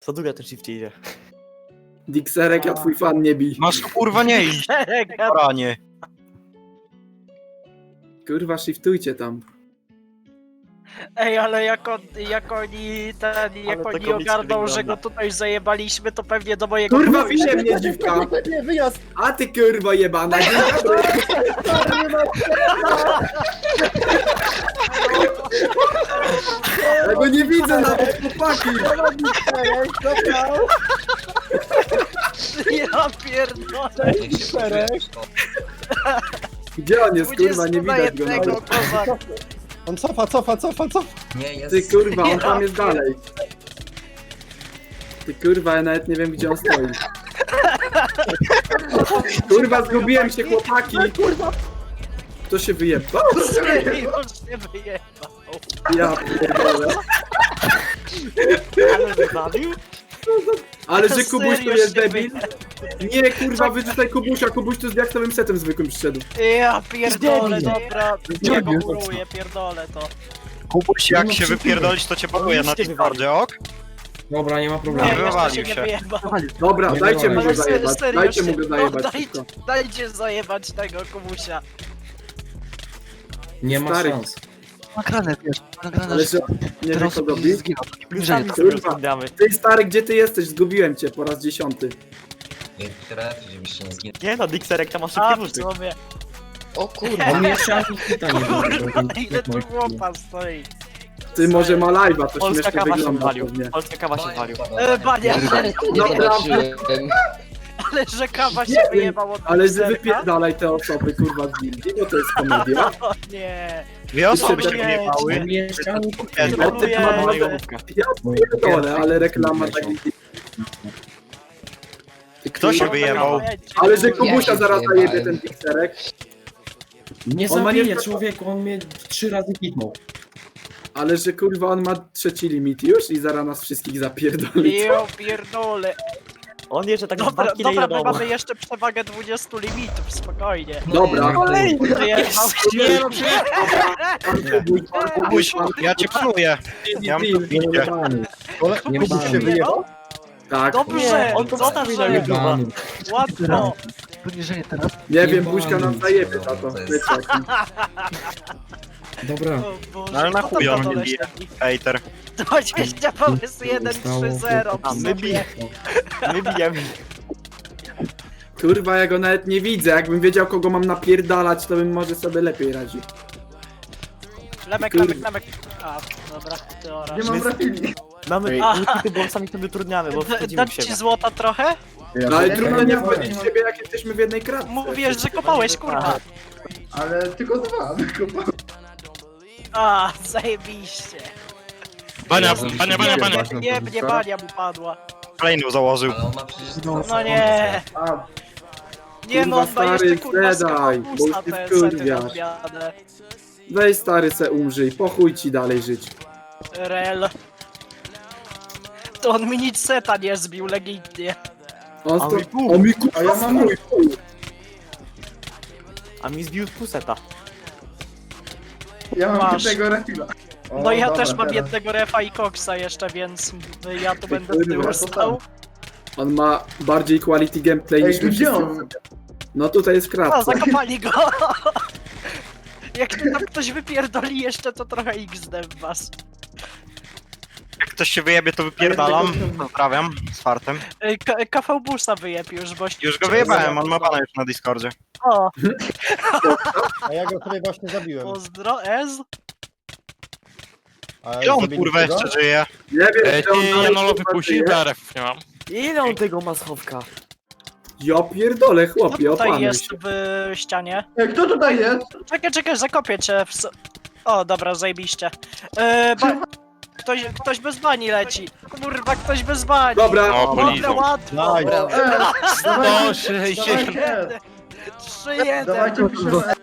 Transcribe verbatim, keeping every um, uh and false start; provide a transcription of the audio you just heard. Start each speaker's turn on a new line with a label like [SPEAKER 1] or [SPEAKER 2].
[SPEAKER 1] Co długo ten shift idzie?
[SPEAKER 2] Dixerek, ja twój fan nie bij.
[SPEAKER 3] Masz tu kurwa nie iść, ranie.
[SPEAKER 2] Kurwa, shiftujcie tam.
[SPEAKER 4] Ej, ale jak, on, jak oni ten, jak
[SPEAKER 1] to
[SPEAKER 4] oni
[SPEAKER 1] komicznie
[SPEAKER 4] ogarną, że
[SPEAKER 1] wygląda.
[SPEAKER 4] go tutaj zajebaliśmy, to pewnie do mojego
[SPEAKER 2] Kurwa,
[SPEAKER 4] pokoju
[SPEAKER 2] winie mnie dziwka!
[SPEAKER 5] Nie, wyjazd!
[SPEAKER 2] A ty kurwa jebana, dzień dobry! Ja go nie widzę nawet, chłopaki!
[SPEAKER 4] Ja pierdolę.
[SPEAKER 2] Gdzie on jest, kurwa, nie
[SPEAKER 4] dwudziestu na
[SPEAKER 2] widać go
[SPEAKER 4] jednego,
[SPEAKER 2] nawet.
[SPEAKER 4] kozak.
[SPEAKER 5] On cofa, cofa, cofa, cofa!
[SPEAKER 6] Nie, jest...
[SPEAKER 2] Ty kurwa, on tam jest dalej. Ty kurwa, ja nawet nie wiem gdzie on stoi. Kurwa, zgubiłem się, chłopaki! Kto się wyjebał?
[SPEAKER 4] Już się wyjebał.
[SPEAKER 2] Ja pierdolę.
[SPEAKER 1] Ale wybawił?
[SPEAKER 2] Ale że Kubuś to
[SPEAKER 4] Serio
[SPEAKER 2] jest
[SPEAKER 4] się
[SPEAKER 2] debil? Nie, kurwa, wyrzucaj Kubusia, Kubuś to z diaksowym setem zwykłym przyszedł.
[SPEAKER 4] Ja pierdolę,
[SPEAKER 1] Zdejmij.
[SPEAKER 4] dobra. Ja go muruję, pierdolę to.
[SPEAKER 3] Kubuś, jak się wypierdolisz, to cię pakuję na Discordzie, ok?
[SPEAKER 5] Dobra, nie ma
[SPEAKER 4] Nie,
[SPEAKER 5] problemu.
[SPEAKER 4] jeszcze
[SPEAKER 3] wywalił
[SPEAKER 4] się nie
[SPEAKER 3] się.
[SPEAKER 4] wyjebał.
[SPEAKER 2] Dobra,
[SPEAKER 5] Nie
[SPEAKER 2] dajcie mu
[SPEAKER 5] wolno.
[SPEAKER 2] go
[SPEAKER 4] Ale se-
[SPEAKER 2] zajebać,
[SPEAKER 4] serio
[SPEAKER 2] dajcie
[SPEAKER 4] się-
[SPEAKER 2] mu go
[SPEAKER 4] no,
[SPEAKER 2] zajebać
[SPEAKER 4] dajcie,
[SPEAKER 2] wszystko.
[SPEAKER 4] dajcie zajebać tego Kubusia.
[SPEAKER 5] Nie ma
[SPEAKER 2] Stary.
[SPEAKER 5] szans.
[SPEAKER 7] Nagrane, wiesz, nagrane,
[SPEAKER 2] Ale że nie wiem
[SPEAKER 7] teraz
[SPEAKER 2] co robi.
[SPEAKER 7] zginął, to nie
[SPEAKER 1] My
[SPEAKER 7] bliżej.
[SPEAKER 1] sami sobie
[SPEAKER 2] Kurwa.
[SPEAKER 1] rozglądamy.
[SPEAKER 2] Ty stary, gdzie ty jesteś? Zgubiłem cię po raz dziesiąty.
[SPEAKER 6] Nie, teraz, żebyście nie zginęli.
[SPEAKER 1] Nie no, Dixerek tam ma
[SPEAKER 4] A,
[SPEAKER 1] szybkie
[SPEAKER 4] w
[SPEAKER 1] buty.
[SPEAKER 4] sumie.
[SPEAKER 5] O kurwa, on jeszcze ani hita nie
[SPEAKER 4] Kurwa,
[SPEAKER 5] zrobił.
[SPEAKER 4] ile tu chłopa stoi.
[SPEAKER 2] Ty może ma live'a, to
[SPEAKER 1] Polska
[SPEAKER 2] śmiesznie
[SPEAKER 1] kawa się
[SPEAKER 2] wygląda
[SPEAKER 1] walił.
[SPEAKER 2] pewnie.
[SPEAKER 1] Polska kawa się walił.
[SPEAKER 4] E, Bania,
[SPEAKER 2] Naprawdę,
[SPEAKER 4] ale że kawa się
[SPEAKER 2] Nie wiem,
[SPEAKER 4] wyjebał od
[SPEAKER 2] ale że
[SPEAKER 4] Dexterka?
[SPEAKER 2] wypierdalaj te osoby, kurwa, z gildii, bo to jest komedia.
[SPEAKER 4] O nie.
[SPEAKER 3] Dwie osoby się
[SPEAKER 4] Nie.
[SPEAKER 3] wyjebały.
[SPEAKER 5] On jeszcze ani hita nie
[SPEAKER 3] Jedno.
[SPEAKER 5] zrobił.
[SPEAKER 4] Troluje.
[SPEAKER 2] ma
[SPEAKER 1] Mojego
[SPEAKER 2] dwa-
[SPEAKER 1] główka.
[SPEAKER 2] Ja pierdolę, ale reklama tak...
[SPEAKER 3] Kto się wyjebał?
[SPEAKER 2] Ale że Kubusia
[SPEAKER 6] Ja się
[SPEAKER 2] zaraz
[SPEAKER 6] wyjebałem.
[SPEAKER 2] zajebie ten Dixerek.
[SPEAKER 5] Nie
[SPEAKER 2] On ma nie-
[SPEAKER 5] zabije człowieku, on mnie trzy razy hitnął.
[SPEAKER 2] Ale że kurwa on ma trzeci limit już i zaraz nas wszystkich zapierdoli.
[SPEAKER 4] Jo, pierdolę.
[SPEAKER 1] On jeszcze tak
[SPEAKER 4] Dobra,
[SPEAKER 1] dwa kile
[SPEAKER 4] dobra,
[SPEAKER 1] do
[SPEAKER 4] my
[SPEAKER 1] domu.
[SPEAKER 4] mamy jeszcze przewagę dwudziestu limitów, spokojnie.
[SPEAKER 2] Dobra.
[SPEAKER 4] Wyjebał się.
[SPEAKER 3] Nie, no przecież
[SPEAKER 2] Pan Kubuś, pan
[SPEAKER 3] Kubuś,
[SPEAKER 2] pan
[SPEAKER 3] ja cię panuję. Ja mam tu
[SPEAKER 2] Deal.
[SPEAKER 3] bicie.
[SPEAKER 5] Nie
[SPEAKER 4] Kubuś
[SPEAKER 5] bany.
[SPEAKER 4] się wyjebał?
[SPEAKER 2] Tak.
[SPEAKER 4] Dobrze,
[SPEAKER 1] Nie, on to wstawi na
[SPEAKER 4] dobrze,
[SPEAKER 1] YouTube'a.
[SPEAKER 5] Bany.
[SPEAKER 4] łatwo.
[SPEAKER 7] Poniżej teraz.
[SPEAKER 2] Nie wiem,
[SPEAKER 5] Jebany.
[SPEAKER 2] Buźka nam zajebie za to.
[SPEAKER 6] To jest-
[SPEAKER 2] Wiecie, jaki.
[SPEAKER 5] Dobra.
[SPEAKER 4] O Boże,
[SPEAKER 3] No ale na
[SPEAKER 4] kto tam
[SPEAKER 3] chuj on
[SPEAKER 4] na dole
[SPEAKER 3] mnie bije.
[SPEAKER 4] siedzi?
[SPEAKER 3] Hejter.
[SPEAKER 4] dwadzieścia pomysł jeden trzy zero.
[SPEAKER 1] A my bijemy. My bijemy.
[SPEAKER 2] Kurwa, ja go nawet nie widzę. Jakbym wiedział, kogo mam napierdalać, to bym może sobie lepiej radził.
[SPEAKER 4] Lemek, lemek, lemek. A, dobra, ty oraz.
[SPEAKER 2] Nie mam rafili.
[SPEAKER 1] Mamy
[SPEAKER 4] Aha.
[SPEAKER 1] ulty, bo sami sobie utrudniamy, bo
[SPEAKER 4] D-
[SPEAKER 1] wchodzimy
[SPEAKER 4] Dam
[SPEAKER 1] w siebie.
[SPEAKER 4] ci złota trochę?
[SPEAKER 2] No ale trudno nie wchodzić w siebie, jak jesteśmy w jednej kratce.
[SPEAKER 4] Mówisz, że kopałeś, kurwa.
[SPEAKER 2] Ale tylko dwa.
[SPEAKER 4] A, zajebiście.
[SPEAKER 3] Bania, bania, bania, bania.
[SPEAKER 4] Nie, mnie bania mu padła.
[SPEAKER 3] Kolejną założył.
[SPEAKER 6] Ale on ma przecież...
[SPEAKER 4] No nie.
[SPEAKER 2] A,
[SPEAKER 4] Nie, no on
[SPEAKER 2] Kurwa,
[SPEAKER 4] ma jeszcze
[SPEAKER 2] stary,
[SPEAKER 4] kurwa
[SPEAKER 2] zedaj, bo
[SPEAKER 4] skapusta
[SPEAKER 2] już
[SPEAKER 4] te
[SPEAKER 2] się
[SPEAKER 4] sety
[SPEAKER 2] wkurwiasz.
[SPEAKER 4] rozbiane.
[SPEAKER 2] weź stary se umrzyj, po chuj ci dalej żyć.
[SPEAKER 4] Rel. To on mi nic seta nie zbił, legitnie.
[SPEAKER 2] On
[SPEAKER 1] A
[SPEAKER 2] sto...
[SPEAKER 1] mi pół.
[SPEAKER 2] O mi kurwa, a ja mam mój pół.
[SPEAKER 1] A mi zbił puseta.
[SPEAKER 8] Ja mam
[SPEAKER 4] Masz.
[SPEAKER 8] jednego refila. O,
[SPEAKER 4] No ja
[SPEAKER 8] dobra,
[SPEAKER 4] też mam
[SPEAKER 8] teraz.
[SPEAKER 4] jednego refa i koksa jeszcze, więc ja tu będę z
[SPEAKER 2] kurwa,
[SPEAKER 4] tyłu
[SPEAKER 2] to
[SPEAKER 4] stał.
[SPEAKER 2] On ma bardziej quality gameplay
[SPEAKER 8] Ej,
[SPEAKER 2] niż my
[SPEAKER 8] gdzie
[SPEAKER 2] wszyscy.
[SPEAKER 8] on?
[SPEAKER 2] No tutaj jest
[SPEAKER 4] A,
[SPEAKER 2] kratka.
[SPEAKER 4] zakopali go! Jak tu tam ktoś wypierdoli jeszcze, to trochę X D w was.
[SPEAKER 3] Jak ktoś się wyjebie, to wypierdalam. Pozdrawiam, z fartem.
[SPEAKER 4] Ej, K- K V Busa wyjeb już, bo...
[SPEAKER 3] Już go wyjebałem, on ma pana już na Discordzie.
[SPEAKER 4] O,
[SPEAKER 5] A ja go sobie właśnie zabiłem.
[SPEAKER 4] pozdro, Ez.
[SPEAKER 5] A
[SPEAKER 3] Ile on
[SPEAKER 5] zabili
[SPEAKER 3] kurwa
[SPEAKER 5] tego?
[SPEAKER 3] jeszcze żyje?
[SPEAKER 2] Nie wiem,
[SPEAKER 9] Ej,
[SPEAKER 2] czy on
[SPEAKER 9] ty
[SPEAKER 2] dalej,
[SPEAKER 9] Janolo
[SPEAKER 2] kurwa,
[SPEAKER 9] wypuścił
[SPEAKER 2] żyje.
[SPEAKER 9] daref, nie mam.
[SPEAKER 1] Ile on tego ma schowka?
[SPEAKER 2] Ja pierdolę,
[SPEAKER 4] Kto
[SPEAKER 2] chłopie,
[SPEAKER 4] tutaj
[SPEAKER 2] opanuj
[SPEAKER 4] jest
[SPEAKER 2] się.
[SPEAKER 4] w ścianie?
[SPEAKER 8] Ej, kto tutaj jest?
[SPEAKER 4] Czekaj, czekaj, zakopię cię w... s- O, dobra, zajebiście. Yy, ba... Ktoś, ktoś bez bani leci. Kurwa, ktoś bez bani.
[SPEAKER 2] Dobra,
[SPEAKER 9] O,
[SPEAKER 4] Dobra,
[SPEAKER 9] polizą.
[SPEAKER 4] łatwo.
[SPEAKER 5] Daj.
[SPEAKER 8] Ej,
[SPEAKER 9] sto
[SPEAKER 8] dawajcie,
[SPEAKER 9] sześćdziesiąt.
[SPEAKER 8] dawajcie,
[SPEAKER 4] trzy jeden.
[SPEAKER 8] dawajcie piszemy